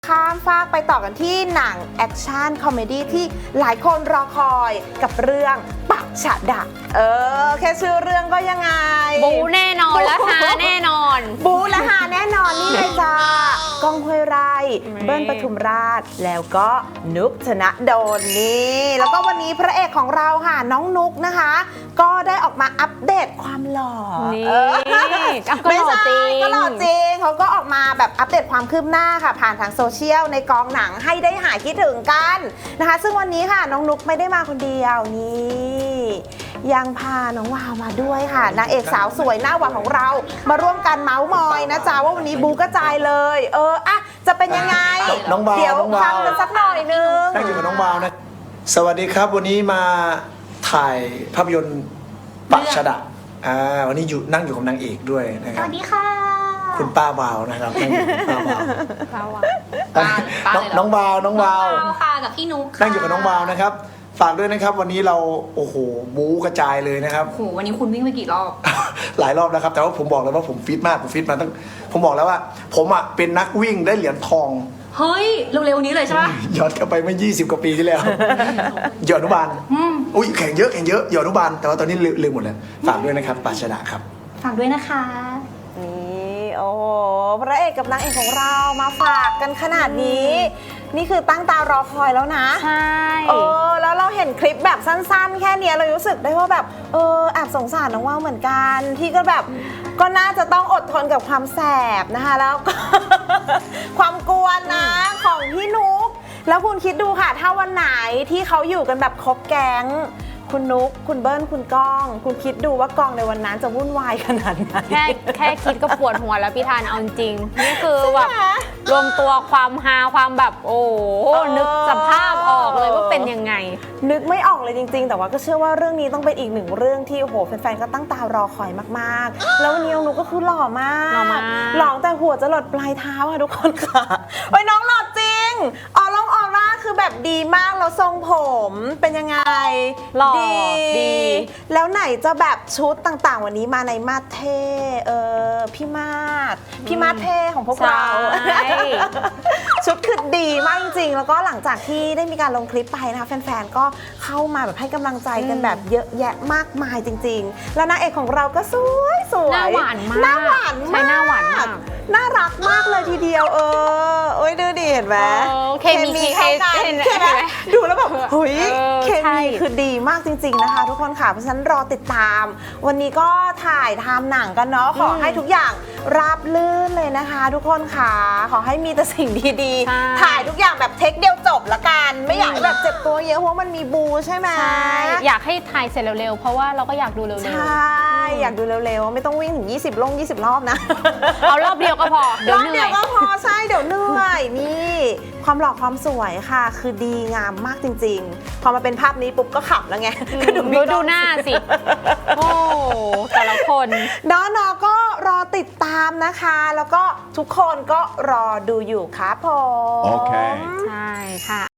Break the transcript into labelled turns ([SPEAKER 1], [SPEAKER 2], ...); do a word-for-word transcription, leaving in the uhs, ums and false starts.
[SPEAKER 1] ข้ามฟากไปต่อกันที่หนังแอคชั่นคอมเมดี้ที่หลายคนรอคอยกับเรื่องปักฉะดะเออแค่ชื่อเรื่องก็ยังไง
[SPEAKER 2] บูแน่นอนและหาแน่นอน
[SPEAKER 1] บูและหาแน่นอนนี่เลยจ้าก้องห้วยไร่เบิ้ลปทุมราชแล้วก็นุกธนดลนี่แล้วก็วันนี้พระเอกของเราค่ะน้องนุกนะคะ ก็ได้ออกมาอัปเดตความหล่อ
[SPEAKER 2] นี่ก็หล่อจริง
[SPEAKER 1] ก็หล่อจริงเขาก็ออกมาแบบอัปเดตความคืบหน้าค่ะผ่านทางโซเชียลในกองหนังให้ได้หายคิดถึงกันนะคะซึ่งวันนี้ค่ะน้องนุกไม่ได้มาคนเดียวนี่ยังพาน้องวาวมาด้วยค่ะนางเอกสาวสวยหน้าหวานของเรามาร่วมกันเมาส์มอยนะจ๊ะว่าวันนี้บูกระจายเลยเอออะจะเป็นยังไง
[SPEAKER 3] น้องวาว
[SPEAKER 1] เดี๋ยวฟังกันสักหน่อยนึง
[SPEAKER 3] นั่งอยู่กับน้องวาวนะสวัสดีครับวันนี้มาถ่ายภาพยนตร์ปักฉะดะอ่าวันนี้อยู่นั่งอยู่กับนางเอกด้วยนะครับ
[SPEAKER 4] สวัสดีค่ะ
[SPEAKER 3] คุณป้าวาวนะครับนั่งอยู่กับป้าวาว
[SPEAKER 2] ป้าวาว
[SPEAKER 3] น้องวาวน้องวาว
[SPEAKER 4] ค่ะกับพี่นุ๊ก
[SPEAKER 3] นั่งอยู่กับน้องวาวนะครับฝากด้วยนะครับวันนี้เราโอ้โหบู๊กระจายเลยนะครับ
[SPEAKER 4] โอ้โหวันนี้คุณวิ่งไปกี่รอบ
[SPEAKER 3] หลายรอบแล้วครับแต่ว่าผมบอกเลยว่าผมฟิตมากผมฟิตมาตั้งผมบอกแล้วว่า ผมอ่ะเป็นนักวิ่งได้เหรียญทอง
[SPEAKER 4] เฮ้ยเร็วๆนี้เลยใช่ปะ
[SPEAKER 3] ย้อนกลับไปเมื่อยี่สิบกว่าปีที่แล้วหยอดอนุบาลอุ้ยแข่งเยอะแข่งเยอะหยอดอนุบาลแต่ว่าตอนนี้ลืมหมดแล้วฝากด้วยนะครับปักฉะดะครับ
[SPEAKER 4] ฝากด้วยนะคะ
[SPEAKER 1] นี่โอ้โหพระเอกกับนางเอกของเรามาฝากกันขนาดนี้นี่คือตั้งตารอคอยแล้วนะ
[SPEAKER 2] ใช่
[SPEAKER 1] เออแล้วเราเห็นคลิปแบบสั้นๆแค่นี้เรารู้สึกได้ว่าแบบเออแอบสงสารน้องว่าวเหมือนกันที่ก็แบบก็น่าจะต้องอดทนกับความแสบนะคะแล้วก็ ความกวนนะของพี่นุ๊กแล้วคุณคิดดูค่ะถ้าวันไหนที่เขาอยู่กันแบบครบแก๊งคุณนุ๊กคุณเบิ้ลคุณก้องคุณคิดดูว่ากองในวันนั้นจะวุ่นวายขนาดไหน
[SPEAKER 2] แค่แค่คิดก็ปวดหัวแล้วพี่ธานเอาจริงนี่คือแบบรวมตัวความฮาความแบบโอ้นึกสภาพออกเลยว่าเป็นยังไง
[SPEAKER 1] นึกไม่ออกเลยจริงๆแต่ว่าก็เชื่อว่าเรื่องนี้ต้องเป็นอีกหนึ่งเรื่องที่โอ้โหแฟนๆก็ตั้งตารอคอยมากๆแล้ววันนี้น้องนุ๊กก็คือหล่อมาก
[SPEAKER 2] หล่อมาก
[SPEAKER 1] หล่อแต่หัวจะหลดปลายเท้าค่ะทุกคนค่ะโอ้ยน้องหล่อจริงออร่องออร่าคือแบบดีมากแล้วทรงผมเป็นยังไง
[SPEAKER 2] หล่อดี
[SPEAKER 1] แล้วไหนจะแบบชุดต่างๆวันนี้มาในมาสเท่เออพี่มาสพี่มาสเท่ของพวกเราชุดคือดีมากจริงๆแล้วก็หลังจากที่ได้มีการลงคลิปไปนะคะแฟนๆก็เข้ามาแบบให้กำลังใจกันแบบเยอะแยะมากมายจริงๆแล้วนางเอกของเราก็สวยสวย
[SPEAKER 2] หน้าหวานมาก
[SPEAKER 1] หน้าหวานมาก
[SPEAKER 2] ใช่หน้าหวานมาก
[SPEAKER 1] น่ารักมากเลยทีเดียวเออโอ้ยดูดิเห็นไหม
[SPEAKER 2] เคมี
[SPEAKER 1] เข้ากันใช่ไหมดูแล้วแบบเฮ้ยเคมีคือดีมากจริงๆนะคะทุกคนค่ะเพราะฉะนั้นรอติดตามวันนี้ก็ถ่ายทำหนังกันเนาะขอให้ทุกอย่างราบลื่นเลยนะคะทุกคนค่ะขอให้มีแต่สิ่งดีๆถ่ายทุกอย่างแบบเทคเดียวจบละกันไม่อยากแบบเจ็บตัวเยอะเพราะมันมีบูใช่ไหม
[SPEAKER 2] ใช่อยากให้ถ่ายเสร็จเร็วๆเพราะว่าเราก็อยากดูเร็วๆ
[SPEAKER 1] ใช่อยากดูเร็วๆไม่ต้องวิ่งถึงยี่สิบลงยี่สิบรอบนะ
[SPEAKER 2] เอารอบเดียวก็พอเดี๋ยวเหนื่อย
[SPEAKER 1] รอบเดียวก็พอใช่เดี๋ยวเหนื่อยนี่ความหล่อความสวยค่ะคือดีงามมากจริงๆพอมาเป็นภาพนี้ปุ๊บก็ขับแล้วไง
[SPEAKER 2] ก็ดูดูหน้าสิโอ้แต่ละคน
[SPEAKER 1] น้องๆก็รอติดตามนะคะแล้วก็ทุกคนก็รอดูอยู่ครับผม
[SPEAKER 2] โอเคใช่ค่ะ